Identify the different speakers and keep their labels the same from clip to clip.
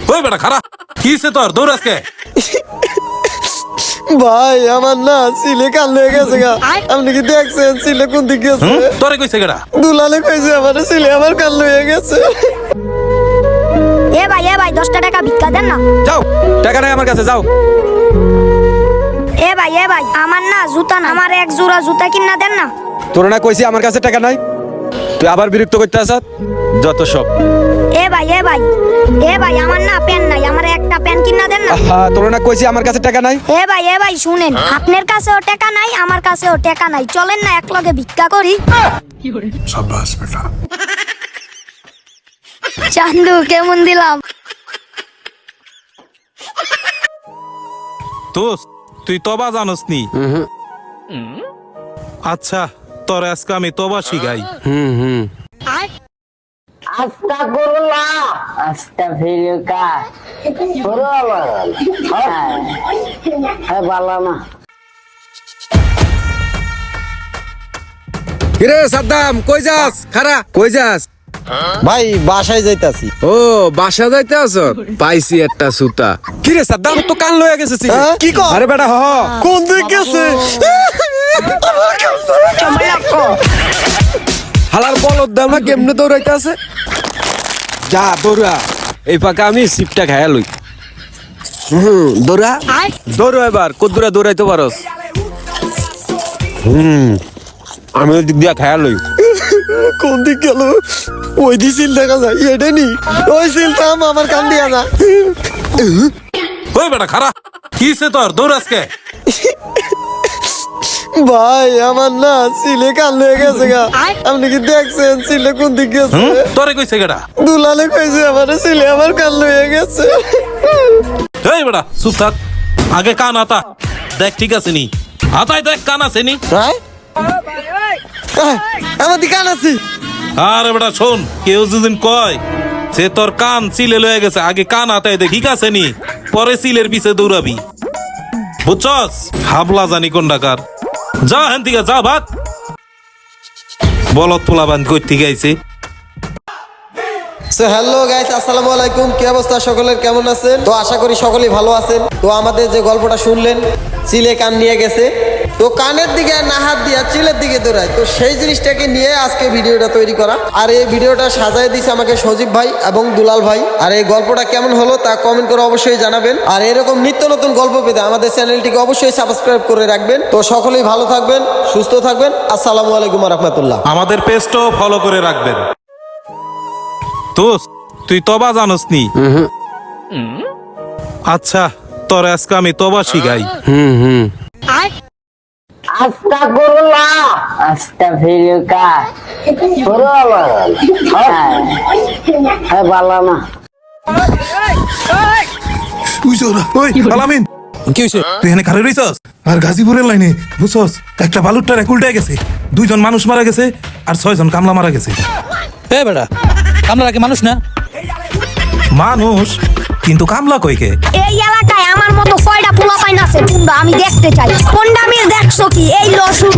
Speaker 1: ওই বেটা খারাপ কিসে তোর দৌড় আজকে
Speaker 2: ভাই আমার না সিলে কাল হয়ে গেছে গা। আপনি কি দেখছেন সিলে কোন দিকে গেছে?
Speaker 1: তোরে কইছে কেডা?
Speaker 2: দুলালে কইছে আমার সিলে আমার কাল হয়ে গেছে।
Speaker 3: এ ভাই 10 টাকা ভিক্ষা দেন না।
Speaker 1: যাও, টাকা নাই আমার কাছে, যাও।
Speaker 3: এ ভাই আমার না জুতা না, আমার এক জোড়া জুতা কিনা দেন না।
Speaker 4: তোর না কইছি আমার কাছে টাকা নাই, তুই আবার বিরক্ত করতে আসাত যত সব।
Speaker 3: এ ভাই আমার না প্যান নাই, আমার একটা প্যান কিনা দেন না।
Speaker 4: তোর না কইছি আমার কাছে টাকা নাই।
Speaker 3: এ ভাই শুনেন, আপনার কাছেও টাকা নাই, আমার কাছেও টাকা নাই, চলেন না একলগে ভিক্ষা করি।
Speaker 1: শাবাশ বেটা।
Speaker 3: চান্দু কেমন দিলাম?
Speaker 1: দোস্ত তুই তবা জানোস নি? আচ্ছা তোর আজকে আমি তবা শিখাই।
Speaker 5: আস্তাগফিরুল্লাহ আস্তাগফিরুকা ভালো না।
Speaker 4: কিরে সাদ্দাম কই যাস? খারা কই যাস?
Speaker 2: ভাই বাসায় যাইতাছি।
Speaker 4: ও বাসা যাইতে আছো? পাইছি একটা সুতা। কিরে সাদ্দাম তো কান লয়ে গেছে।
Speaker 2: কি কর?
Speaker 4: আরে বেটা হ
Speaker 2: কোন দিকে গেছে?
Speaker 4: হালার বলদ দাম না কেমনে দৌড়াইতে আছে। যা দৌড়া, এই ফাঁকা আমি সিপটা খায়া লই। দৌড়া দৌড়ো এবার, কত দূরা দৌড়াইতে পারস? আমি ওই দিক দিয়া খায়া লই।
Speaker 2: কোন দিক গেল? ওই দি সিল দেখা যায়, এটা নি ওই সিলটা আমার কান দিয়া না।
Speaker 1: ওই বেটা খারাপ কিসে তোর দৌড় আজকে?
Speaker 2: ভাই আমার না সিলে কাল হয়ে গেছে গা। আপনি কি দেখছেন সিলে কোন দিকে গেছে?
Speaker 1: তোরে কইছে কেডা?
Speaker 2: দুলালে কইছে আমার সিলে আমার কাল হয়ে গেছে।
Speaker 1: এই বেটা চুপ থাক, আগে কান আতা দেখ ঠিক আছে নি। হাতায় দেখ কান আছে নি।
Speaker 2: ভাই আমার দিকে কান আছে।
Speaker 1: আরে বেটা শোন, কেউ যদি কয় সে তোর কান সিলে লয়ে গেছে, আগে কান হাতায় দেখ ঠিক আছে নি, পরে সিলের পিছে দৌড়াবি, বুঝছস? হাবলা জানি কোন ডাকার। যা হেন থেকে যা ভাগ, বলত পোলা বান কই থেকে আইছে।
Speaker 2: সো হ্যালো গাইস, আসসালামু আলাইকুম। কি অবস্থা সকলের, কেমন আছেন? তো আশা করি সকলেই ভালো আছেন। তো আমাদের যে গল্পটা শুনলেন, চিলে কান নিয়ে গেছে, তো কানের দিকে না হাত দিয়া চিলের দিকে দৌড়ায়, তো সেই জিনিসটাকে নিয়ে আজকে ভিডিওটা তৈরি করা। আর এই ভিডিওটা সাজায় দিছে আমাকে সজীব ভাই এবং দুলাল ভাই। আর এই গল্পটা কেমন হলো তা কমেন্ট করে অবশ্যই জানাবেন। আর এরকম নিত্য নতুন গল্প পেতে আমাদের চ্যানেলটিকে অবশ্যই সাবস্ক্রাইব করে রাখবেন। তো সকলেই ভালো থাকবেন, সুস্থ থাকবেন। আসসালামু আলাইকুম ওয়া রাহমাতুল্লাহ।
Speaker 1: আমাদের পেজটাও ফলো করে রাখবেন। দোস্ত তুই তবা জানোস নি? আচ্ছা তোর আজকে আমি তবা শিখাই।
Speaker 5: আস্তাগফিরুল্লাহ আস্তাগফিরুকা ভালো না।
Speaker 1: ওই আলামিন কি হইছে? তুই এখানে খারে রইছস? আর গাজীপুরের লাইনে বুঝছস একটা বালুরটার উল্টে গেছে, 2 জন মানুষ মারা গেছে আর 6 জন কামলা মারা গেছে।
Speaker 6: এ বেটা, কামলা কি মানুষ না?
Speaker 1: মানুষ কিন্তু কামলা কইকে?
Speaker 3: এই এলাকায় আমার মতো কয়টা পোলা পাইন আছে পুন্ডা, আমি দেখতে চাই। কোনটা আমি দেখছো কি? এই ল শুরু।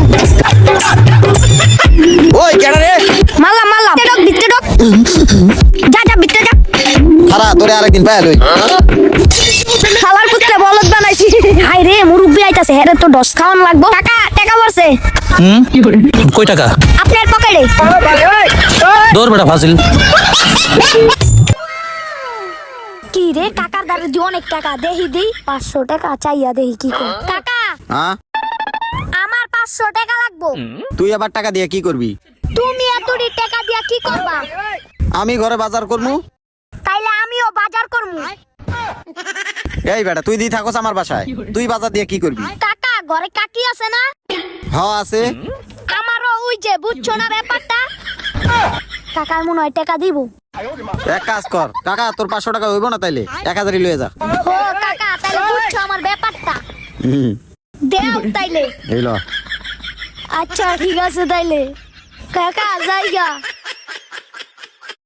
Speaker 2: ওই কেডা রে?
Speaker 3: মাল্লা ভিতরে ঢোক। যা ভিতরে যা।
Speaker 2: খারা তোরে আরেকদিন পায় লই।
Speaker 3: খালার পুত্রে বলদ বানাইছি। হাই রে মুরব্বি আইতাছে, হেরে তো 10 খাওয়ান লাগবো। টাকা বলছে
Speaker 6: কই টাকা?
Speaker 3: আপনার পকেটে।
Speaker 6: দৌড় বেটা ফাজিল।
Speaker 3: কি রে কাকার দাঁড়ে দি অনেক টাকা, দেই 500 টাকা চাইয়া দেই কি কর। কাকা
Speaker 2: হ্যাঁ
Speaker 3: আমার 500 টাকা লাগবো।
Speaker 2: তুই আবার টাকা দিয়ে কি করবি?
Speaker 3: তুমি এতটি টাকা দিয়া কি করবা?
Speaker 2: আমি ঘরে বাজার করবো।
Speaker 3: তাইলে আমিও বাজার করবো।
Speaker 2: এই বেটা তুই দি থাকস আমার বাসায়, তুই বাজার দিয়ে কি করবি?
Speaker 3: কাকা ঘরে কাকি আছে না?
Speaker 2: হ্যাঁ আছে।
Speaker 3: আমারও ওই যে বুঝছো না ব্যাপারটা। কাকার মনে হয় টাকা দিব।
Speaker 2: এক কাজ কর কাকা, তোর 500 টাকা হইব না, তাইলে 1000ই লয়ে যা।
Speaker 3: ও কাকা তাইলে বুঝছো আমার ব্যাপারটা। দেও তাইলে।
Speaker 2: এই ল।
Speaker 3: আচ্ছা ঠিক আছে তাইলে কাকা যাইগা।